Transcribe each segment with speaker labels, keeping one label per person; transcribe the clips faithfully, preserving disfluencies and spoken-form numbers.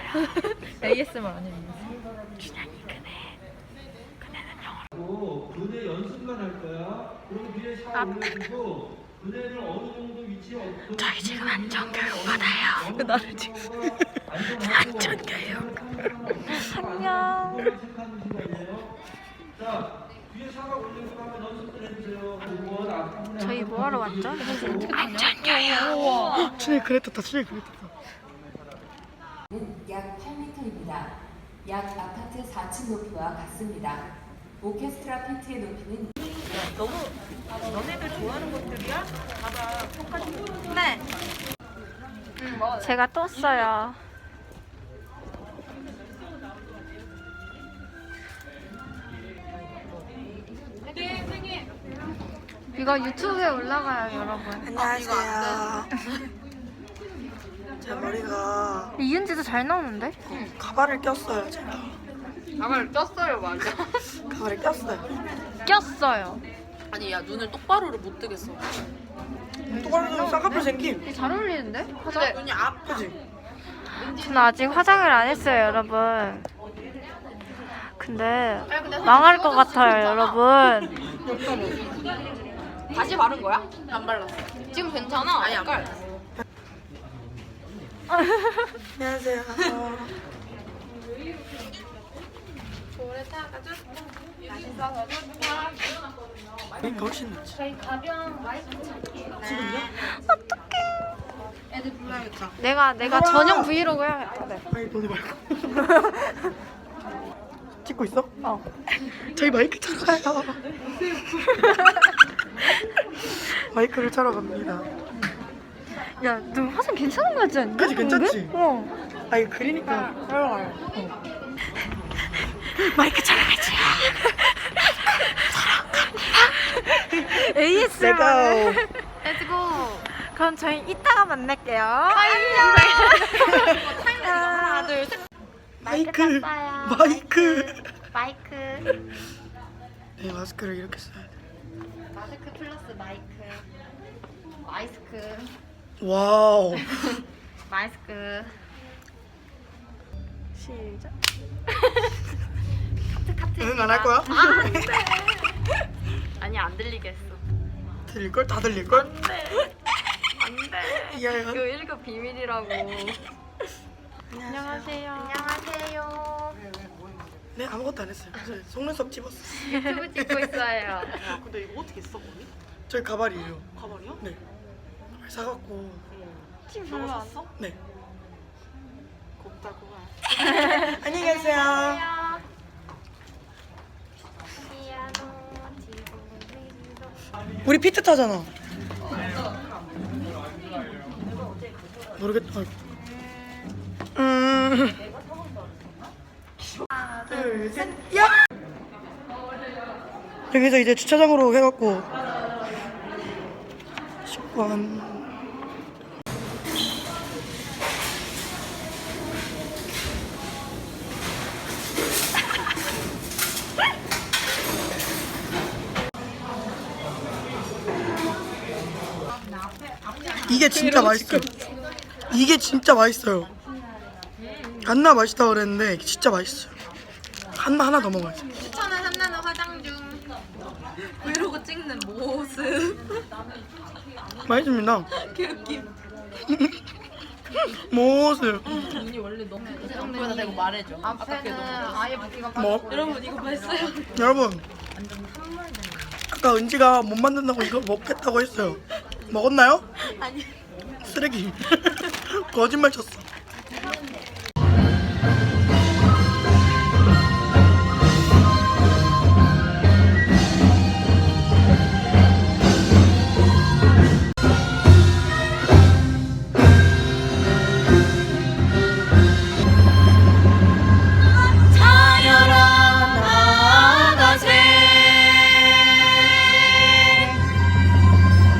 Speaker 1: 에이에스엠알 아닙니다.
Speaker 2: 준현이 그네. 그네는 영어로.
Speaker 3: 그네 연습만 할 거야. 그리고 뒤에 샤워 올려주고 그네를 어느 정도 위치에 어떤
Speaker 2: 저희 지금 안전교육 받아요.
Speaker 1: 나를 지금
Speaker 2: 안전교육.
Speaker 3: 안녕. 자, 뒤에 샤워 올려주고 한번 연습을 해주세요.
Speaker 2: 저희 뭐하러 왔죠? 안전교육.
Speaker 1: 준현이 그래 떴다. 준현이 그래 떴다.
Speaker 4: 약 팔 미터입니다. 약 아파트 사 층 높이와 같습니다. 오케스트라 피트의 높이는
Speaker 1: 너무 너네들 좋아하는 것들이야? 봐봐. 똑같이.
Speaker 2: 네. 제가 떴어요. 이거 유튜브에 올라가요, 여러분.
Speaker 5: 안녕하세요. 제 머리가
Speaker 2: 이은지도 잘 나오는데?
Speaker 5: 가발을 꼈어요. 제가
Speaker 1: 가발 꼈어요, 맞아.
Speaker 5: 가발을 꼈어요.
Speaker 2: 꼈어요.
Speaker 6: 아니 야 눈을 똑바로를 못 뜨겠어.
Speaker 5: 똑바로 쌍꺼풀 생김.
Speaker 2: 잘 어울리는데?
Speaker 6: 근데 눈이 앞.
Speaker 5: 그지?
Speaker 2: 저는 아직 화장을 안 했어요, 여러분. 근데 망할 것 같아요, 여러분.
Speaker 6: 다시 바른 거야? 안 발랐어. 지금 괜찮아. 아니 안 발랐어.
Speaker 5: 안녕하세요. 이거 훨씬 낫지.
Speaker 2: 저희 가벼운 마이크 찾기예요.
Speaker 5: 지금요?
Speaker 2: 애들 불러야겠다. 내가 내가 전용 브이로그 해야겠다. 네.
Speaker 5: 아니 너네 말고. 찍고 있어?
Speaker 2: 어.
Speaker 5: 저희 마이크 차러 가요. 마이크를 차러 갑니다.
Speaker 2: 야, 너 화장 괜찮은 거 같지 않니?
Speaker 5: 그치, 괜찮지?
Speaker 2: 어.
Speaker 5: 아 이거 그리니까 차러 가요. 어.
Speaker 2: 마이크 차러 가지. 에이에스엠알.
Speaker 5: 내가
Speaker 2: 렛츠고. 그럼 저희 이따가 만날게요. 안녕. 하나, 둘, 셋.
Speaker 5: 마이크
Speaker 2: 땄어요.
Speaker 5: 마이크.
Speaker 2: 마이크.
Speaker 5: 네 마스크를 이렇게 써야 돼.
Speaker 2: 마스크 플러스 마이크. 마이스크.
Speaker 5: 와우.
Speaker 2: 마이스크. 시작. 카트 카트.
Speaker 5: 응 안 할 거야?
Speaker 2: 아, 안 돼. 아니 안 들리게 했어.
Speaker 5: 들릴 걸? 다 들릴 걸?
Speaker 2: 안 돼. 안 돼.
Speaker 5: 이하연.
Speaker 2: 이거 일 급 비밀이라고. 안녕하세요. 안녕하세요.
Speaker 5: 네 아무것도 안 했어요. 저 속눈썹 집었어.
Speaker 2: 유튜브 찍고 있어요.
Speaker 6: 야 근데 이거 어떻게 써 거니?
Speaker 5: 저희 가발이에요.
Speaker 6: 가발이야?
Speaker 5: 네. 가발 사갖고.
Speaker 2: 지금 별로 안 써?
Speaker 5: 네.
Speaker 6: 곱다 고가.
Speaker 5: 안녕히 계세요. 우리 피트 타잖아. 모르겠다. 음. 하나, 둘, 셋, 야! 여기서 이제 주차장으로 해갖고 식권. 이게 진짜 맛있어요. 이게 진짜 맛있어요. 한나 맛있다 그랬는데 이게 진짜 맛있어요. 한나 하나 더 먹어야지.
Speaker 6: 추천은 한나는 화장 중. 브이로그 찍는 모습.
Speaker 5: 맛있습니다.
Speaker 6: 개웃김.
Speaker 5: 모습.
Speaker 6: 눈이 원래 너무. 정도에다 대고 말해줘.
Speaker 2: 앞에는 아예 붓기가
Speaker 5: 뭐?
Speaker 6: 여러분 이거 봤어요?
Speaker 5: 여러분. 아까 은지가 못 만든다고 이거 먹겠다고 했어요. 먹었나요?
Speaker 6: 아니.
Speaker 5: 쓰레기. 거짓말 쳤어.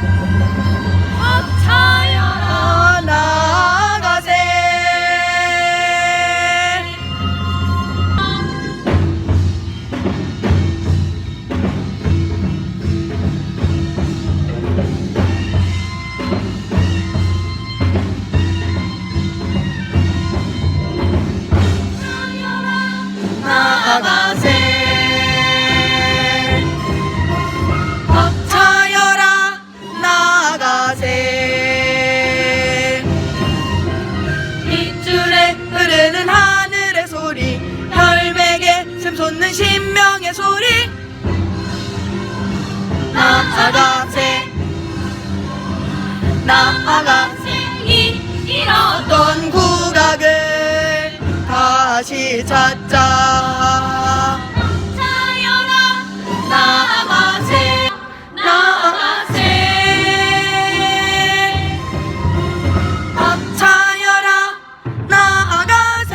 Speaker 5: 나가세 솟는 신명의 소리 나아가세 나아가세 잃었던 국악을 다시 찾자 나아가세 나아가세 벅차여라 나아가세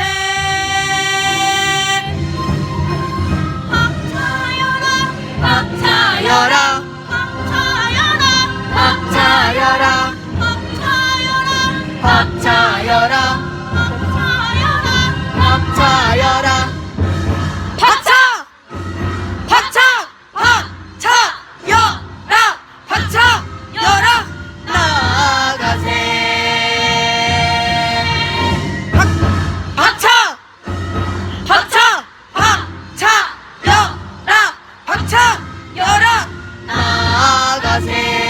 Speaker 5: 벅차여라 벅차여라 벅차여라 벅차여라 박차 박차 박차여라 박차여라 나아가세 박 박차 박차 박차여라 박차여라 나아가세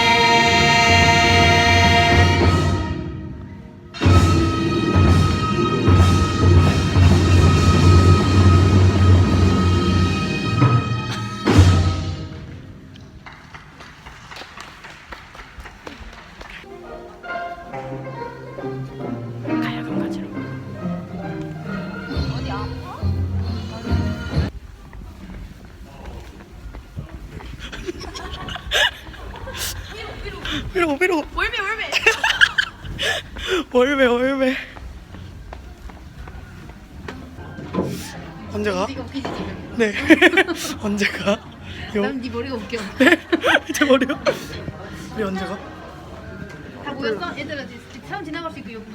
Speaker 5: 가야금 가지러 위로 위로
Speaker 6: 월매 월매.
Speaker 5: 월매 월매 언제 가?
Speaker 6: 이거 웃기지 지금.
Speaker 5: 네 언제 가? 요?
Speaker 6: 난네 머리가 웃겨.
Speaker 5: 네? 제 머리요? 우리 언제 가?
Speaker 6: 다 모였어? 얘들아 이제 차원 지나갈 수 있고 여기.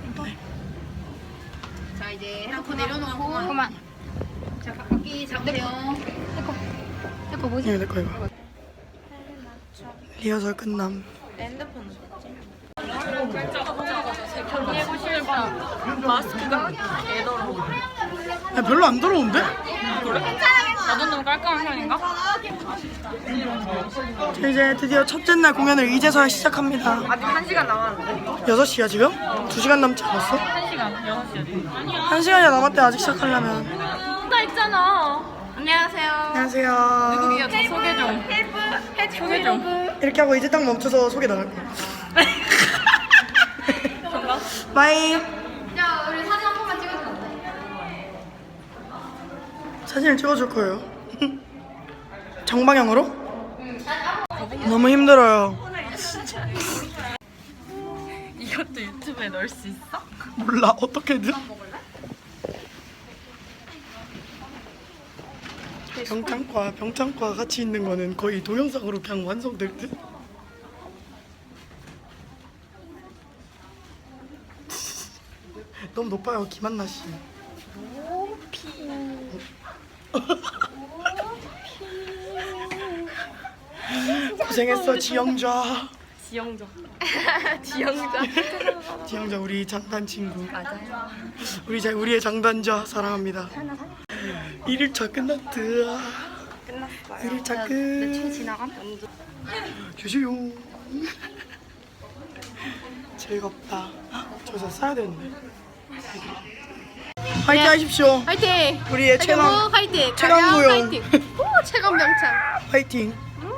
Speaker 6: 자 이제 핸드폰 내려놓고. 그만. 자 바퀴 잡으세요. 내거 뭐지?
Speaker 5: 네, 내 거 이거 리허설 끝남
Speaker 1: 정리해보시면 봐. 마스크가 개더러워.
Speaker 5: 아, 별로 안 더러운데?
Speaker 1: 나도 너무 깔끔한 편인가?
Speaker 5: 자, 이제 드디어 첫째 날 공연을 이제서야 시작합니다.
Speaker 1: 아직 한 시간 남았는데.
Speaker 5: 여섯 시야 지금? 두 시간 남지 않았어?
Speaker 1: 한 시간, 여섯 시.
Speaker 5: 한 시간이 남았대 아직 시작하려면.
Speaker 1: 나 있잖아. 안녕하세요.
Speaker 5: 안녕하세요.
Speaker 1: 누구야? 저 소개 좀. 소개 좀.
Speaker 5: 이렇게 하고 이제 딱 멈춰서 소개 나갈 거야. 바이.
Speaker 6: 야 우리 사진 한 번만 찍어주면 안 돼?
Speaker 5: 사진을 찍어줄 거예요. 정방향으로? 너무 힘들어요.
Speaker 1: 이것도 유튜브에 넣을 수 있어?
Speaker 5: 몰라 어떻게든. 병창과 병창과 같이 있는 거는 거의 동영상으로 그냥 완성될 듯. 너무 높아요 김한나 씨. 고생했어 지영자.
Speaker 1: 지영자. 지영자.
Speaker 5: 지영자 우리 장단 친구. 맞아요. 우리 자, 우리의 장단자 사랑합니다. 일 일차 끝났다. 끝났어요. 일 일차 끝. 며칠 지나감? 주시오. 즐겁다. 저기서 써야 되는데. 화이팅 하십시오.
Speaker 6: 화이팅!
Speaker 5: 우리의 최강
Speaker 6: 화이팅!
Speaker 5: 최강 무용.
Speaker 6: 화이팅! 오 최강 명창!
Speaker 5: 화이팅.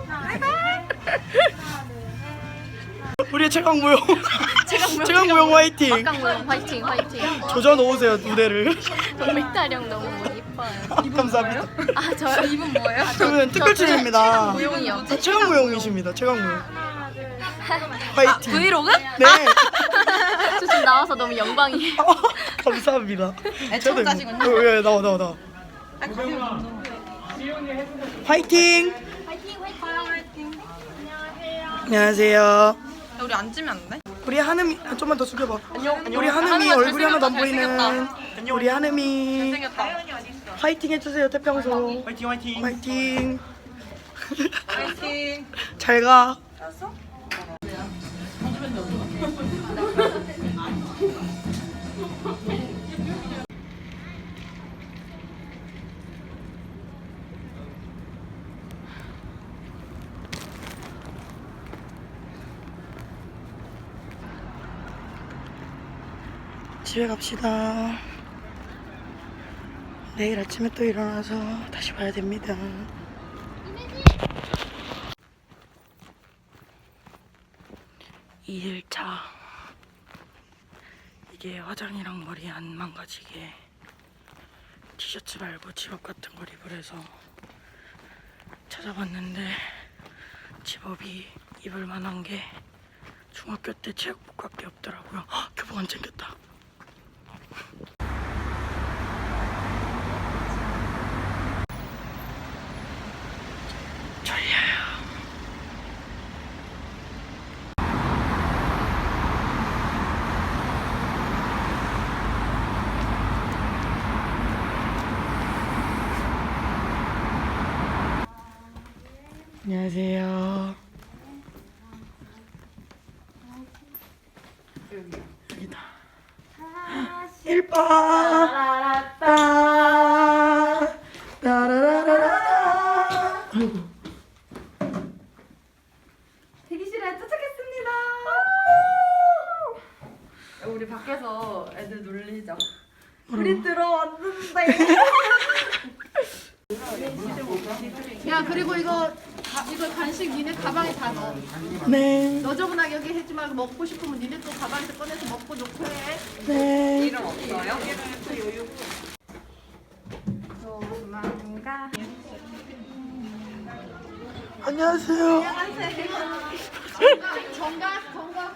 Speaker 5: 우리의 최강 무용. 최강 무용 화이팅.
Speaker 6: 박강무용 화이팅 화이팅!
Speaker 5: 조져 놓으세요 무대를.
Speaker 6: 맥다령 너무 예뻐요.
Speaker 5: 감사합니다.
Speaker 6: 아 저요? 이분 뭐예요?
Speaker 5: 저는 특별출입니다.
Speaker 6: 무용이요.
Speaker 5: 최강 무용이십니다. 최강 무용. 화이팅.
Speaker 6: 브이로그?
Speaker 5: 네.
Speaker 6: 저 지금 나와서 너무 영광이에요.
Speaker 5: 감사합니다. 저도 이거- 예, 예, 나와 나와 나와. 화이팅. 안녕하세요.
Speaker 1: 우리 앉으면 안 돼?
Speaker 5: 우리 한음이 아, 좀만 더 숙여봐.
Speaker 1: 안녕.
Speaker 5: 우리 한음이
Speaker 1: 한음아,
Speaker 5: 얼굴이 하나도 안
Speaker 1: 잘생겼다.
Speaker 5: 보이는 우리 한음이
Speaker 1: 생겼다.
Speaker 5: 화이팅 해주세요 태평소.
Speaker 3: 화이팅 화이팅.
Speaker 5: 화이팅.
Speaker 1: 화이팅.
Speaker 5: 잘 가. 집에 갑시다. 내일 아침에 또 일어나서 다시 봐야 됩니다. 이 일차 이게 화장이랑 머리 안 망가지게 티셔츠 말고 집업 같은 걸 입으래서 찾아봤는데 집업이 입을 만한 게 중학교 때 체육복밖에 없더라고요. 헉, 교복 안 챙겼다. 졸려요. 안녕하세요. 여기다. 일번 따라라따 따라라라라. 아이고.
Speaker 1: 대기실에 도착했습니다. 우리 밖에서 애들 놀리자. 우리 들어왔는데.
Speaker 6: 야 그리고 이거 가, 이거 간식 니네 가방에 다 넣어.
Speaker 5: 네.
Speaker 6: 너저분하게 여기 해지 말고 먹고 싶으면 니네 또 가방에서 꺼내서 먹고 놓고 해.
Speaker 5: 네.
Speaker 1: 이름 없어요?
Speaker 5: 안녕하세요.
Speaker 6: 정각 정각.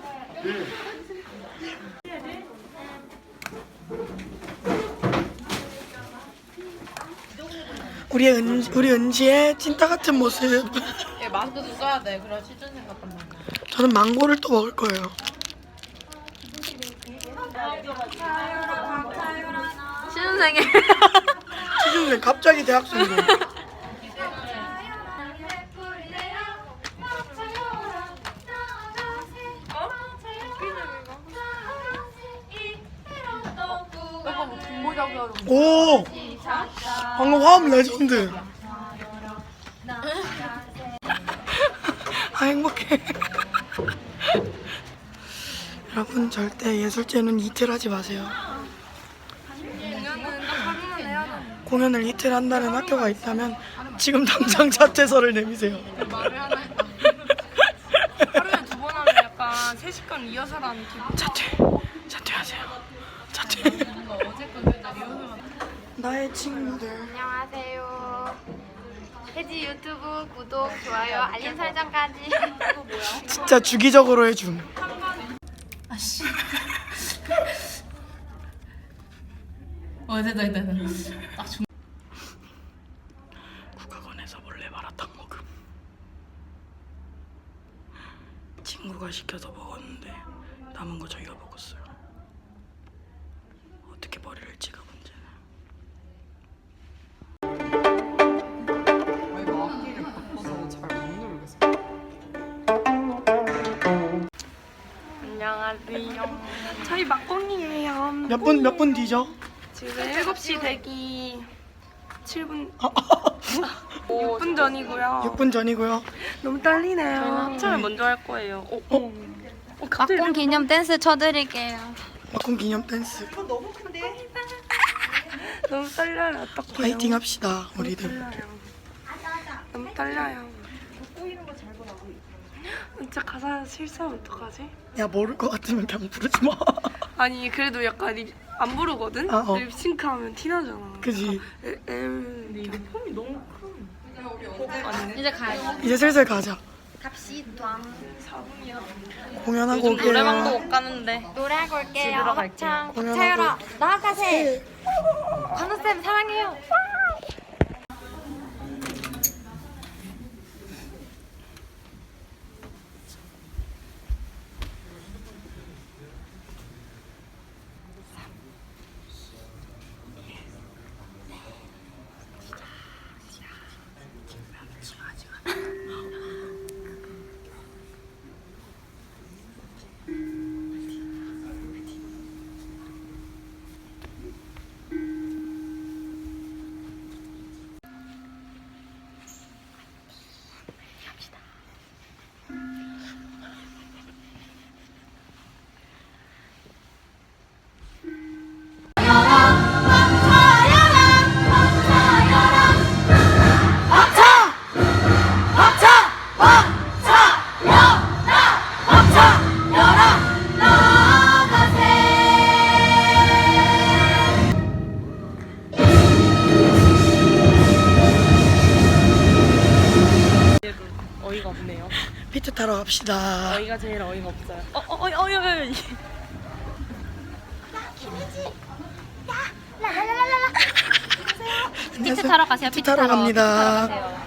Speaker 5: 우리 은 우리 은지의 찐따 같은 모습.
Speaker 1: 얘 마스크도 써야 돼. 그래 취준생 같단 말이야.
Speaker 5: 저는 망고를 또 먹을 거예요.
Speaker 1: 취준생이.
Speaker 5: 취준생 갑자기 대학생들. 오! 방금 화음 레전드. 아 행복해. 여러분 절대 예술제는 이틀 하지 마세요. 공연을 이틀 한다는 학교가 있다면 지금 당장 자퇴서를 내미세요.
Speaker 1: 하루에 두 번 하면 약간 세 시간 이어서 하는 기분.
Speaker 5: 자퇴, 자퇴하세요. 자퇴. 나의 친구들.
Speaker 7: 안녕하세요. 혜지 유튜브 구독, 좋아요, 알림 설정까지.
Speaker 5: 진짜 주기적으로 해줌.
Speaker 1: 어 됐다 됐다 됐다. 딱 중.
Speaker 5: 국악원에서 몰래 마라탕 먹음. 친구가 시켜서 먹었는데 남은 거 저희가 먹었어요. 어떻게 버릴지가 문제네.
Speaker 2: 안녕하세요. 저희 막공이에요.
Speaker 5: 몇 분 몇 분 뒤죠?
Speaker 2: 지금 일곱 시 대기 칠 분,
Speaker 5: 아,
Speaker 2: 육 분 전이고요.
Speaker 5: 육 분 전이고요.
Speaker 2: 너무 떨리네요. 합창을 먼저 할 거예요. 어, 어. 어, 갑자기
Speaker 7: 막공 기념 댄스 쳐드릴게요.
Speaker 5: 막공 기념 댄스.
Speaker 2: 너무 떨려요. 어떡해요?
Speaker 5: 파이팅 합시다 우리들.
Speaker 2: 떨려요. 너무 떨려요. 진짜 가사 실수하면 어떡하지?
Speaker 5: 야 모를 것 같으면 그냥 부르지 마.
Speaker 2: 아니 그래도 약간 립, 안 부르거든?
Speaker 5: 아, 어.
Speaker 2: 립싱크하면 티나잖아.
Speaker 5: 그지.
Speaker 2: 에, 에, 근데 이게 폼이 너무 큰.
Speaker 7: 이제 가요.
Speaker 5: 이제 슬슬 가자.
Speaker 7: 갑시다.
Speaker 5: 공연하고 올게요.
Speaker 1: 노래방도 못 가는데.
Speaker 7: 노래하고 올게요.
Speaker 1: 집으로 갈게요.
Speaker 7: 합창.
Speaker 5: 공연하고.
Speaker 7: 차열아, 나가세. 관우쌤 사랑해요.
Speaker 5: 타러 갑시다.
Speaker 1: 저희가 제일 어이가 없어요. 어, 어, 어, 어, 어, 어.
Speaker 7: 피트 타러 가세요.
Speaker 5: 피트 타러 갑니다.